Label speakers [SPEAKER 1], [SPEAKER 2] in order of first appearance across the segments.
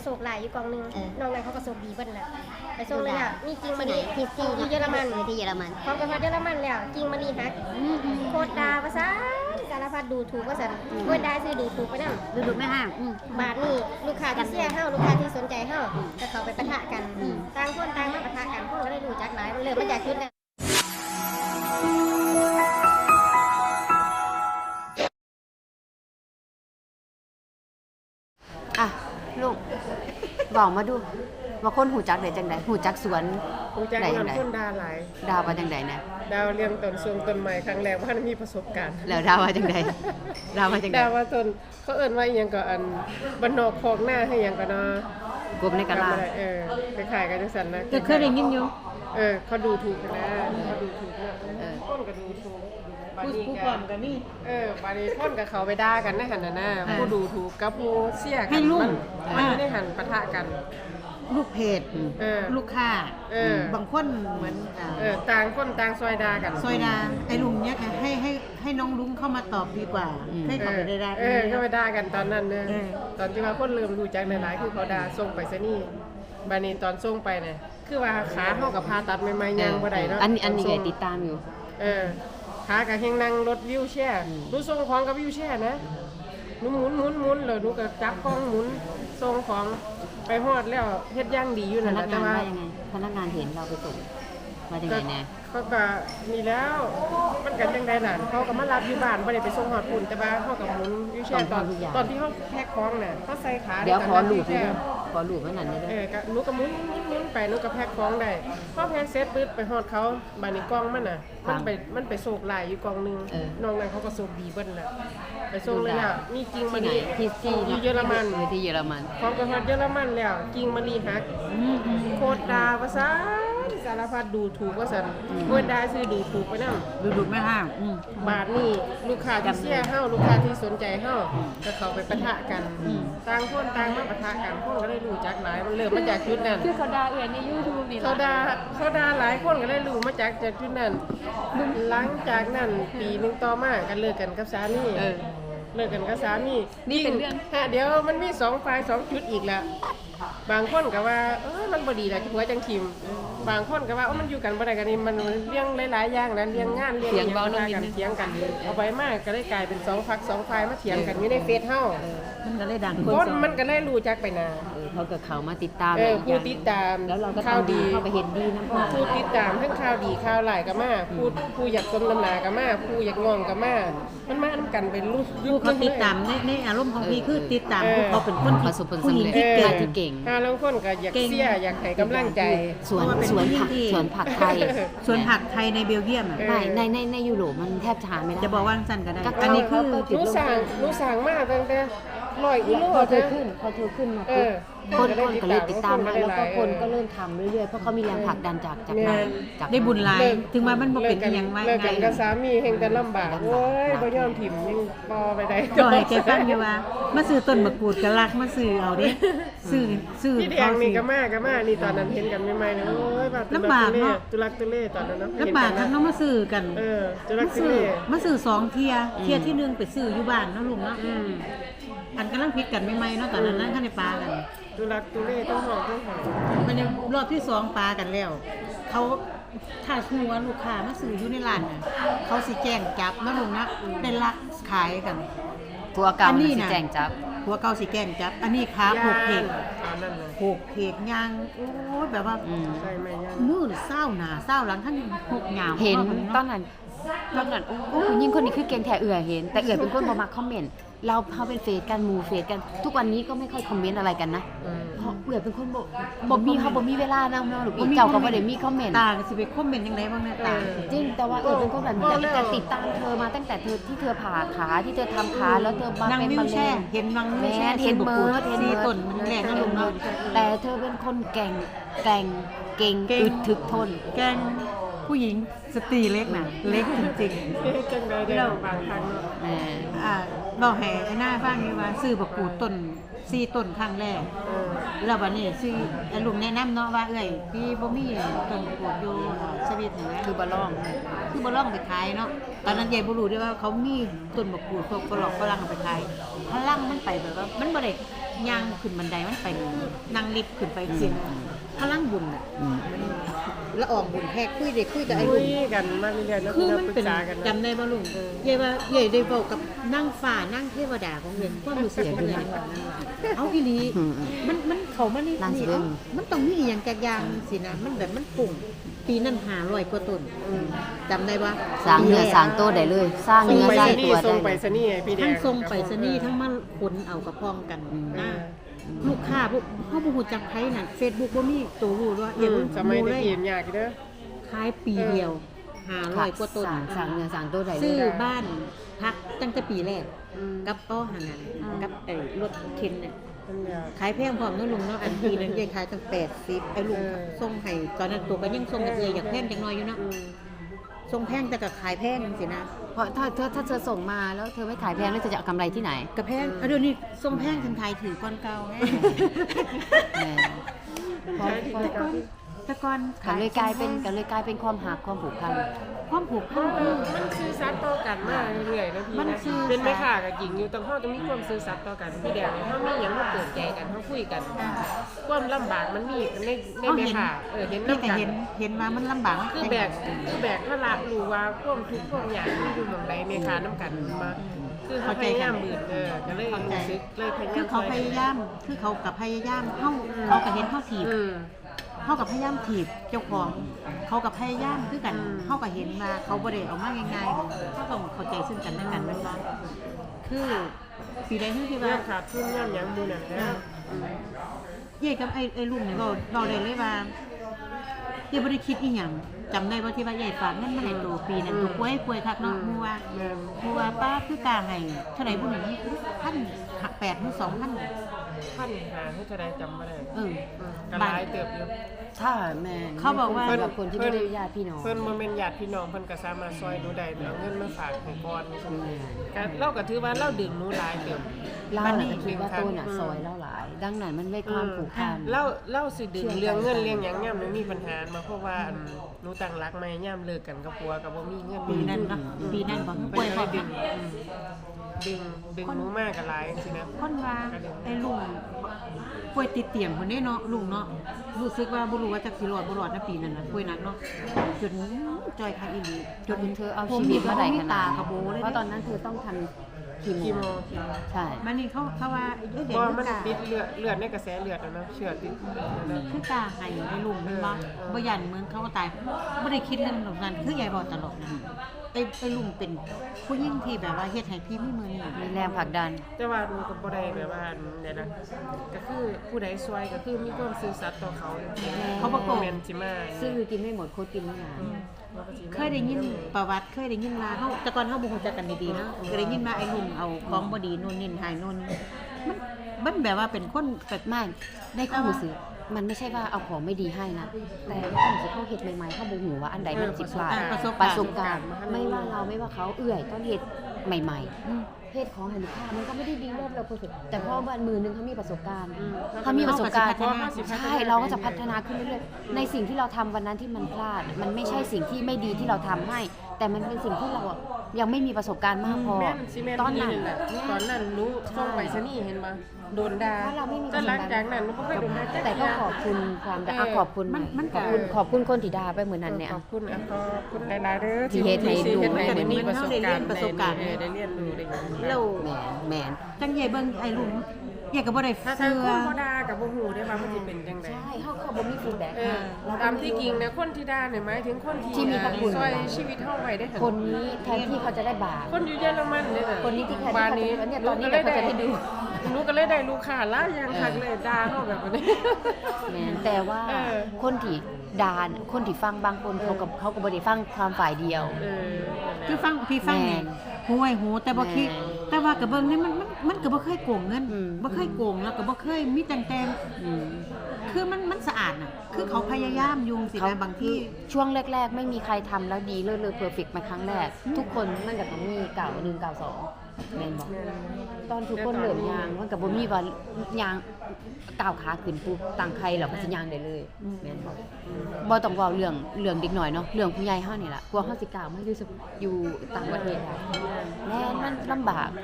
[SPEAKER 1] โศกหลายอยู่กองนึงน้องนั้นเขาก็โศกดีเบิ้ลแหละไปส่งเลยอ่ะมีจริงมาดี
[SPEAKER 2] ที่
[SPEAKER 1] เยอรมัน
[SPEAKER 2] ที่เยอรมัน
[SPEAKER 1] พร้อมกับเยอรมันแล้วจริงมาดีฮักโคตรดาภาษาสารพัดดูถูกว่าสันโคตรได้ซื้อดูถูกไปนั่ง
[SPEAKER 2] ดูไม่ห้าม
[SPEAKER 1] บาทนี่ลูกค้าที่เสียเฮาลูกค้าที่สนใจเฮาจะเข้าไปปะทะกันต่างคนต่างมาปะทะกันพวกก็ได้รู้จักหลายมันเริ่มมาจากจุดนั้น
[SPEAKER 2] อ่ะลูกบอกมาดูว่าคนหูจักได้จังไดหูจักสวน
[SPEAKER 3] รู้จัก
[SPEAKER 2] ได้จั
[SPEAKER 3] นำ
[SPEAKER 2] งได
[SPEAKER 3] คนดาหลาย
[SPEAKER 2] ดาวว่าจังไดนะ
[SPEAKER 3] ดาวเรียงต้นทรงต้นใหม่ครั้งแรกว่ามีประสบการณ์
[SPEAKER 2] แล้วดาวว่าจังไดดาวว่าจังได
[SPEAKER 3] ดาวว่าต้นเขาเอิ้นว่าอีหยังก็อันบ้านนอกคอกหน้าให้หยังก็เนาะ
[SPEAKER 2] กบในกะลา
[SPEAKER 3] จำบ่ได้คล้ายๆกันจังซั่นนะ
[SPEAKER 2] จะเคยได้ยินอยู่
[SPEAKER 3] เขาดูถูกกันนะเขาดูถูกนะคนก็ดูถูกผู้ก่อนกันนี่บาดนี้คนกับเขาไปด่ากันในหันน่ะนะผู้ดูถูกกับผู้เสียกันมันอยู่ในหันปะทะกัน
[SPEAKER 4] ลูกเพจลูกค้าบางคนเหมือน
[SPEAKER 3] ต่างคนต่างซอยด่ากัน
[SPEAKER 4] ซอยดาไอ้ลุงเนี่ยค่ะให้น้องลุงเข้ามาตอบดีกว่าให้เขาไปได้
[SPEAKER 3] ก็ไปด่ากันตอนนั้นเนี่ยตอนที่ว่าคนเริ่มรู้จักหลายๆคือเขาด่าส่งไปซะนี่บาดนี้ตอนส่งไปเนี่ยคือว่าขาเฮากับพาตัดใหม่ๆย่างบ่ได้เนาะ
[SPEAKER 2] อันนี้ก็ติดตามอยู่
[SPEAKER 3] ขากับเฮงนั่งรถวิวแช่ดูส่งของกับวิวแช่นะหนูหมุนแล้วหนูก็จับกล้องหมุนส่งของไปฮอดแล้วเฮ็ดย่างดีอยู่
[SPEAKER 2] พ
[SPEAKER 3] นั่นแห
[SPEAKER 2] นั
[SPEAKER 3] ละ
[SPEAKER 2] ก
[SPEAKER 3] แต่
[SPEAKER 2] งาน
[SPEAKER 3] ว่า
[SPEAKER 2] ว่ายังไงพนักงานเห็นเราไปส่งว่าจังไดแน่
[SPEAKER 3] เขาก็นี่แล้วมันกันจังได๋ล่ะเขาก็มารับอยู่บ้านบ่ได้ไปส่งฮอดพุ่นแต่ว่าเขาก็หมุนวิวแช่ตอนที่เขาแพ็คของน่ะเขาใส่ขา
[SPEAKER 2] เดี๋ยวขอลูกด้วยขอลูกไว้นั่นได้
[SPEAKER 3] ก็หนูก็หมุนไปหนูก็แพ็คของได้พอแพ็คเสร็จปึ๊บไปฮอดเขาบัดนี้กล่องมันน่ะมันไปโศกหลายอยู่กล่องนึงน้องนั้นเขาก็โศกดีเบิ้ลแหละไปส่งเลยแล้วมีจริงมาดีที่เยอรมัน
[SPEAKER 2] ที่เยอรมัน
[SPEAKER 3] ของกษัตริย์เยอรมันแล้วจริงมาดีฮักโคตรดาภาษาสารพัดดูถูกว่าสันโคตรได้ซื้อดูถูกไปนั่ง
[SPEAKER 4] ดูไม่ห้าม
[SPEAKER 3] บาทนี่ลูกค้าที่เสียเฮาลูกค้าที่สนใจเฮาก็เข้าไปปะทะกันต่างคนต่างมาปะทะกันพวกก็ได้รู้จักหลายมันเริ่มมาจากจุดนั้น
[SPEAKER 2] คือเขาด่าใน YouTube นี่
[SPEAKER 3] เขาด่าหลายคนก็ได้รู้มาจากจุดนั้นหลังจากนั้นปีนึงต่อมากันเลิกกันกับสามีเลิกกันกับสามี
[SPEAKER 2] นี่เป็นเรื่อง
[SPEAKER 3] เดี๋ยวมันมี2ฝ่าย2จุดอีกแล้วบางคนก็ว่ามันบ่ดีแหละที่ผัวจังคิมบางคนก็ว่ามันอยู่กันบ่ได้กันนี่มันเรื่องหลายๆอย่างนั้นเรื่องงานเรื่องหยังกันเถียงกันเอาไปมากก็ได้กลายเป็น2ฝัก2ฝ่ายมาเถียงกันอยู่ในเฟซเฮา
[SPEAKER 4] มันก็เลยดัง
[SPEAKER 3] คนมันก็เลยรู้จักไปนา
[SPEAKER 2] เขาก็เข้ามาติดตาม
[SPEAKER 3] ผู้ติดตาม
[SPEAKER 2] แล้วเราก็
[SPEAKER 3] ข่าวดี
[SPEAKER 2] เข้าไปเห็นดีนำ
[SPEAKER 3] ผู้ติดตามทั้งข่าวดีข่าวหลายก็มาผู้อยากสมน้ำหน้าก็มาผู้อยากงองก็มามันมานำกันเป็น
[SPEAKER 4] ผู้เขาติดตามในอารมณ์ของพี่คือติดตามผู้เขาเป็นคน
[SPEAKER 2] ประสบผลสำเร็จที่เก่ง
[SPEAKER 3] บางคนก็อยากเสียอยากให้กำลังใจ
[SPEAKER 2] สวนผักไทย
[SPEAKER 4] สวนผักไทยในเบลเยียม
[SPEAKER 2] ในยุโรปมันแทบจะหาไม่ได้
[SPEAKER 4] จะบอกว่าสั้นก็ได้
[SPEAKER 3] อันนี้คือรู้สั่งมากตั้งแต่100กิโล
[SPEAKER 2] พอเธอขึ้นมาคนก็เลยติดตามแล้วก็คนก็เริ่มทำเรื่อยๆเพราะเขามีแรงผลักดันจาก
[SPEAKER 4] ได้บุญหลายถึงว่ามันบ่เป็นอีหยังไว้
[SPEAKER 3] เลิกกันกับสามีแห่งแต่ลำบากโอ้ยบ่ยอมถิ่มยังบ่ไปได้
[SPEAKER 4] ก็ให้แกฟังอยู่ว่ามาซื้อต้นมะกรูดก็รักมาซื้อเอาเด้ซื้อ
[SPEAKER 3] พี่แดงนี่ก็มานี่ตอนนั้นเห็นกันใหม่ๆนะโอ้ย
[SPEAKER 4] ลำบากเนาะ
[SPEAKER 3] ตุลักตุเลตอนนั้นเนาะ
[SPEAKER 4] ลำบากทั้งน้องมาซื้อกัน
[SPEAKER 3] ตุลักตุเล
[SPEAKER 4] มาซื้อ2เที่ยที่1ไปซื้ออยู่บ้านเนาะลุงเนาะอันกำลังพิดกันใหม่ๆเนาะตอนนั้นข้างในปลากัน
[SPEAKER 3] ตุลักตุเลต้องหอม
[SPEAKER 4] มันรอบที่2ปลากันแล้วเขาถ้าคือว่าลูกค้ามาซื้ออยู่ในร้านน่ะเขาสิแจ้งจับนะลุงนะเป็นลักขายกัน
[SPEAKER 2] ผัวเก่าสิแจ้งจับ
[SPEAKER 4] ผัวเก่าสิแจ้งจับอันนี้ขาผูกเพกย่างโอ้ยแบบว่ามือเศร้าหน้าเศร้าหลังท่านหกหยาว
[SPEAKER 2] เห็นตอนนั้นโอ้ยิ่งคนนี้คือเก่งแท้เห็นแต่เป็นคนบ่มักคอมเมนต์เราเป็นเฟซกันหมู่เฟซกันทุกวันนี้ก็ไม่ค่อยคอมเมนต์อะไรกันนะเพราะเป็นคนบ่มีเวลานำเนาะหรือเจ้าก็บ่ได้มีคอมเมนต์
[SPEAKER 4] ตาสิไปคอมเมนต์จังได๋บ้างแม่ตา
[SPEAKER 2] จริงแต่ว่าเป็นคนแบบแต่ติดตามเธอมาตั้งแต่เธอที่เธอผ่าขาที่เธอทำขาแล้วเธอมาเป็นมะเร็ง
[SPEAKER 4] เห็นนังวิวแช่
[SPEAKER 2] เห็นเมิร์ด
[SPEAKER 4] ต้นแรกนั่นเนาะ
[SPEAKER 2] แต่เธอเป็นคนเก่งอึดถึกทน
[SPEAKER 4] แกงผู้หญิงสตรีเล็กน่ะเล็กจริง
[SPEAKER 3] ๆจังได๋ได้บางครั้งเนาะ
[SPEAKER 4] บอกให้ไอ้หน้าฟังนี่ว่าซื้อบักกูดต้น4ต้นครั้งแรกแล้วบัดนี้ซื้อไอ้ลุงแนะนำเนาะว่าเอ้ยพี่บ่มีต้นบักกูดอยู่สวิตนี่นะ
[SPEAKER 2] คือบ่ร้
[SPEAKER 4] องไปขายเนาะตอนนั้นยายบ่รู้ด้วยว่าเขามีต้นบักกูดพวกฝรั่งไปขายพลังมันไปแบบว่ามันบ่ย่างขึ้นบันไดมันไปนั่งลิฟต์ขึ้นไปเสียงพลังบุญน่ะละอองบุญแฮกคุยได้คุยกับไอ้
[SPEAKER 3] คุ
[SPEAKER 4] ลุ
[SPEAKER 3] ย
[SPEAKER 4] ง
[SPEAKER 3] กันมาเรื่อยๆแล้ว
[SPEAKER 4] คือ
[SPEAKER 3] เรา
[SPEAKER 4] มัน
[SPEAKER 3] ปรึก
[SPEAKER 4] เป็น
[SPEAKER 3] ษากัน
[SPEAKER 4] จำได้บ่ลุงเย่ว่าเย่ได้เว้ากับนั่งฟ้านั่งเทวดาของเพิ่นความรู้สึกมันเลยเอาอีหลีมันเข้ามานี่
[SPEAKER 2] นั่งสิ
[SPEAKER 4] นี่
[SPEAKER 2] เบิ่ง
[SPEAKER 4] มันต้องมีอหย่างจักอย่างสินะมันแบบมันปุ่งปีนั้น500กว่าต้นจำได้บ่
[SPEAKER 2] สร้างเนื้อสร้างโตได้เลย สร้าง
[SPEAKER 3] ส่ง
[SPEAKER 2] เนื้อ
[SPEAKER 3] ไป
[SPEAKER 2] สร้าง
[SPEAKER 3] สนี
[SPEAKER 2] ตัว
[SPEAKER 3] ส่ง
[SPEAKER 2] ได้
[SPEAKER 3] ไป
[SPEAKER 2] เลย
[SPEAKER 3] สนีให้พี่แด
[SPEAKER 4] ทั้
[SPEAKER 3] ง
[SPEAKER 4] งทรงไปสนีย์ทั้งมาขนเอากระพองกันนะลูกค้าพวกเฮาบ่ฮู้จักไผนั่น Facebook บ่มีตัวรู้ว่า
[SPEAKER 3] สมัย
[SPEAKER 4] เล
[SPEAKER 3] ตะ
[SPEAKER 4] ย
[SPEAKER 3] กี้ยากเด้อ
[SPEAKER 4] ขายปีเดียว500กว่าต้น
[SPEAKER 2] สร้างเนื้อสร้างโตได้เล
[SPEAKER 4] ซื้อย บ้านพักตั้งแต่ปีแรก กับป้อหันน่ะ
[SPEAKER 2] อืม
[SPEAKER 4] กับไอ้รถเข็นเนี่ย
[SPEAKER 3] มันยาก
[SPEAKER 4] ขายแพงพร้อมเนาะลุงเนาะอันปีนึงยายขายตั้ง80ไอ้ลุงส่งให้ตอนนั้นตัวก็ยังส่งกับอยากแพงจังน้อยอยู่เนาะส่งแพงแต่ก็ขายแพงจังซี่นะ
[SPEAKER 2] เพราะถ้าเธอส่งมาแล้วเธอไม่ขายแพงแล้วเธอจะเอากำไรที่ไหน
[SPEAKER 4] ก็แพงเดี๋ยวนี้ส่งแพงทันไทยถือก้อนเก่าไง
[SPEAKER 2] แหมเพราะ
[SPEAKER 4] แต่ก่อน
[SPEAKER 2] กันเลยกลายเป็นความหักความผูกพัน
[SPEAKER 4] ความผูกพัน
[SPEAKER 3] มันซื่อสัตย์ต่อกันมาเรื่อยๆนะพี่
[SPEAKER 4] มัน
[SPEAKER 3] นะ
[SPEAKER 4] ซื่อสัตย์
[SPEAKER 3] เป็นแม่ค้ากับหญิงอยู่ต้องเฮาต้องมีความซื่อสัตย์ต่อกันพี่แดงเฮามีหยังมาเปิดใจกันเฮาคุยกันความลำบากมันมีในแม่ค้าเห็น
[SPEAKER 4] นี่
[SPEAKER 3] นำ
[SPEAKER 4] แต่
[SPEAKER 3] กัน
[SPEAKER 4] เห็นว่ามันลำบาก
[SPEAKER 3] คือแบกถ้าละรู้ว่าความทุกข์ความยากที่อยู่หม่องใดแม่ค้านำกันมาคือเขาพยายามบืนก็เลยรู้สึกเลยพยายาม
[SPEAKER 4] คือเขาพยายามกับพยายามเขาก็เห็นเขาถีบเขากับพยายามถีบเจ้าของเขากับพยายามคือกันเขาก็เห็นว่าเขาบ่ได้เอามาง่ายๆเขาต้องเข้าใจซึ่งกันและกันแม่นบ่คือปีใดที่
[SPEAKER 3] ว่า
[SPEAKER 4] ว่า
[SPEAKER 3] ขาดทุนย่ำหยังหมู่นั่นนะ
[SPEAKER 4] เย่กับไอ้ลุงนี่เราได้เลยว่าเย่บ่ได้คิดอีหยังจำได้ว่าที่ว่าใหญ่ฝากเงินมาให้ตัวปีนั้นตัวป่วยคักเนาะฮู้ว่าป้าคือกลางให้เท่าไหร่บุญนี่1,800หรือ2,000
[SPEAKER 3] พันหาให้เท่าใดจำบ่ได้ ก็หลายเติบอยู่
[SPEAKER 2] ถ้าแม่
[SPEAKER 4] เขาบอกว่า
[SPEAKER 2] สำหรับคนที่ไม่ได้ญาติพี่น้อง
[SPEAKER 3] เพิ่นบ่แม่นญาติพี่น้องเพิ่นก็สามารถซอยหนูได้เอาเงินมาฝากให้ก่อนก็เราก็ถือว่าเราดึงหนูหลายเติบ
[SPEAKER 2] เราน่ะก็คิดว่าตัวน่ะซอยเราหลาย ดังนั้นมันไม่ความผูกพัน
[SPEAKER 3] เล่าสิดึงเรื่องเงินเรื่องหยังย่ำหนูมีปัญหามาเพราะว่าหนูตั้งรักใหม่ย่ำเลิกกันกับผัวก็บ่มีเงิน
[SPEAKER 4] ปีนั้นเนาะปีนั้นบ่
[SPEAKER 3] เพิ่
[SPEAKER 4] ป่วย
[SPEAKER 3] น
[SPEAKER 4] พ
[SPEAKER 3] เล
[SPEAKER 4] อย
[SPEAKER 3] ดึงหนูมากก็หลายจังซี่นะ
[SPEAKER 4] คนว่าไอ้ลุงป่วยติดเตียงคนนี้เนาะลุงเนาะรู้สึกว่าบ่รู้ว่าจักสิรอดบ่รอดนะปีนั้นน่ะป่วยหนักเนาะจนจอยคักอีหลี
[SPEAKER 2] จนเธอเอาชีวิตมาได้ขนา
[SPEAKER 4] ตา
[SPEAKER 2] ด
[SPEAKER 4] กระโบเลย
[SPEAKER 2] เพราะตอนนั้นเธอต้องทำคี
[SPEAKER 3] คี
[SPEAKER 2] โม
[SPEAKER 3] โม
[SPEAKER 2] ใช่
[SPEAKER 4] มันนี่เขาว่าเด็ก
[SPEAKER 3] เพราะ
[SPEAKER 4] คื
[SPEAKER 3] มัน
[SPEAKER 4] อกา
[SPEAKER 3] ติดเลือดในกระแสเลือดเนาะเชื้อติด
[SPEAKER 4] คือกาให้ไอ้ลุงแม่นบ่บ่ยันเมืองเขาก็ตายบ่ได้คิดเรื่องนั้นคือยายบอกตลอดนะไอ้ลุงเป็นผู้หญิงที่แบบว่าเฮ็ดให้พี่มีมือนี่
[SPEAKER 2] มีแรงผลักดัน
[SPEAKER 3] แต่ว่าหนูก็บ่ได้แบบว่าเนี่ยนะก็คือผู้ใดซวยก็คือมีความซื่อสัตย์ต่อเขา
[SPEAKER 4] เขาบ่โกง
[SPEAKER 3] แม่นสิมา
[SPEAKER 2] ซื้อกินไม่หมดโคตรกินไม่นาน
[SPEAKER 4] เคยได้ยินประวัติเคยได้ยินว่าเฮาแต่ก่อนเฮาบ่ฮู้จักกันดีๆเนาะเคยได้ยินว่าไอ้ลุงเอาของบ่ดีนู่นนี่หายนู่นมันแบบว่าเป็นคนแบบ
[SPEAKER 2] ไม่ได้ข้อมูลซื้อมันไม่ใช่ว่าเอาของไม่ดีให้นะ แต่ข้อมูลซื้อเขาเห็ดใหม่ๆเขาบ่หูว่าอันใดมันสิพลาด ประสบการณ์ไม่ว่าเราไม่ว่าเขาเอื่อยต้องเห็ดใหม่ๆเฮ็ดของให้ลูกค้ามันก็ไม่ได้ดีเลิศเราเพอร์เฟคแต่พอวันมือนึงเขามีประสบการณ์เขามีประสบการณ์ใช่เราก็จะพัฒนาขึ้นเรื่อยๆในสิ่งที่เราทำวันนั้นที่มันพลาด มันไม่ใช่สิ่งที่ไม่ดีที่เราทำให้ แต่มันเป็นสิ่งที่เราอะยังไม่มีประสบการณ์มากพอ
[SPEAKER 3] แม่นสิแม่น
[SPEAKER 2] ตอนนั้น
[SPEAKER 3] แหละตอนนั้นหนูส่งไปซะนี่เห็นบ่โดนด่า
[SPEAKER 2] เพราะเราไม่มี
[SPEAKER 3] แต่หลังจากนั้นหนูบ่เคยโดนด่าจัก
[SPEAKER 2] แต่ก็
[SPEAKER 3] เทื่
[SPEAKER 2] ขอบคุณความด่าขอบคุณ
[SPEAKER 4] มัน
[SPEAKER 2] ขอบคุณคนที่ด่าไปเหมือนนั้นเนี่ย
[SPEAKER 3] ขอบคุณขอบคุณหลายๆเด้อ
[SPEAKER 2] ที่เฮ็ดให้ดู
[SPEAKER 3] เฮ็ดให้
[SPEAKER 2] เหมือน
[SPEAKER 3] มีประสบการณ์
[SPEAKER 4] ได้เรียนรู้ได้
[SPEAKER 3] ได้เรียนรู้ได้หยัง
[SPEAKER 4] แล้ว
[SPEAKER 2] แมน
[SPEAKER 4] จังใหญ่เบิ่งไอ้ลุงใหญ่ก็บ่ได้
[SPEAKER 3] ถ้า
[SPEAKER 4] เสื้
[SPEAKER 3] ทาง
[SPEAKER 4] อ
[SPEAKER 3] คนบ่ด่าก็บ่ฮู้ได้ว่ามันสิเป็นจังได๋
[SPEAKER 2] ใช่เขาบ่มีฟีดแบ็ก
[SPEAKER 3] ตามที่จริงนะคนที่ด่าเนี่ยหมายถึงคนที่
[SPEAKER 2] ที่มีพระคุณ
[SPEAKER 3] ช่วยชีวิตเฮาไว้ได้หั่น
[SPEAKER 2] คนนี้แทนที่เขาจะได้บาป
[SPEAKER 3] คนอยู่เยอรมันเนี่ยน่ะ
[SPEAKER 2] คนนี้ที่แทนที่
[SPEAKER 3] บ้าน
[SPEAKER 2] เขาจะ
[SPEAKER 3] นี้
[SPEAKER 2] เนี่ยตอนนี้เนี่ยเขาจะได้ดู
[SPEAKER 3] หนูก็เลยได้ลูกค้าหลายอย่างคักเลยด่าเฮาแบบนี้
[SPEAKER 2] แม่นแต่ว่า
[SPEAKER 3] เออ
[SPEAKER 2] คนที่ด่าน่ะคนที่ฟังบางคนเขาก็บ่ได้ฟังความฝ่ายเดียว
[SPEAKER 4] คือฟังพี่ฟังนี่
[SPEAKER 2] แม่น
[SPEAKER 4] หูไอ้หูแต่บ่คิด
[SPEAKER 2] แม่น
[SPEAKER 4] แต่ว่าก็เบิ่งนี่มันก็บ่เคยโกงเงิน
[SPEAKER 2] อืม
[SPEAKER 4] บ่เคยโกงแล้วก็บ่เคยมีแต่ง
[SPEAKER 2] อืม
[SPEAKER 4] คือมันสะอาดน่ะคือเขาพยายามอยู่สินะบางที่
[SPEAKER 2] ช่วงแรก ๆ ไม่มีใครทำแล้วดีเลิศเลอเพอร์เฟกต์มาครั้งแรก ทุกคนมันก็ต้องมีเก่า1เก่า2แม่นบ่ตอนทุกคนเริ่มยางมันก็บ่มีว่ายางก้าวขาขึ้นปุ๊บตั้งใครแล้วก็สิยางได้เลยแม่นบ่บ่ต้องเว้าเรื่องเด็กน้อยเนาะเรื่องผู้ใหญ่เฮานี่ล่ะกลัวเฮาสิก้าวมาอยู่ต่างประเทศได้แม่นมันลำบาก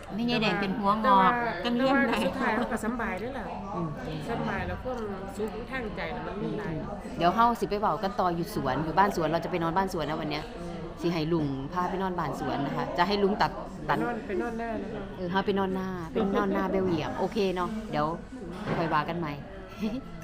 [SPEAKER 4] ไม่ใช่แดงเป็นหัวงอกจังเลี้ยงได้
[SPEAKER 3] สุดท้ายเขาก็สำบายด้วยล่ะสำบายแล้วความสุขทางใจน่ะมันมีหลาย
[SPEAKER 2] เดี๋ยวเฮาสิไปเว้ากันต่ออยู่สวนอยู่บ้านสวนเราจะไปนอนบ้านสวนนะวันเนี้ยสิให้ลุงพาไปนอนบ้านสวนนะคะ จะให้ลุงตัด
[SPEAKER 3] ไปนอนหน้านะคะ
[SPEAKER 2] เฮาไปนอนหน้าเบลเยียมโอเคเนาะเดี๋ยวค่อยว่ากันใหม่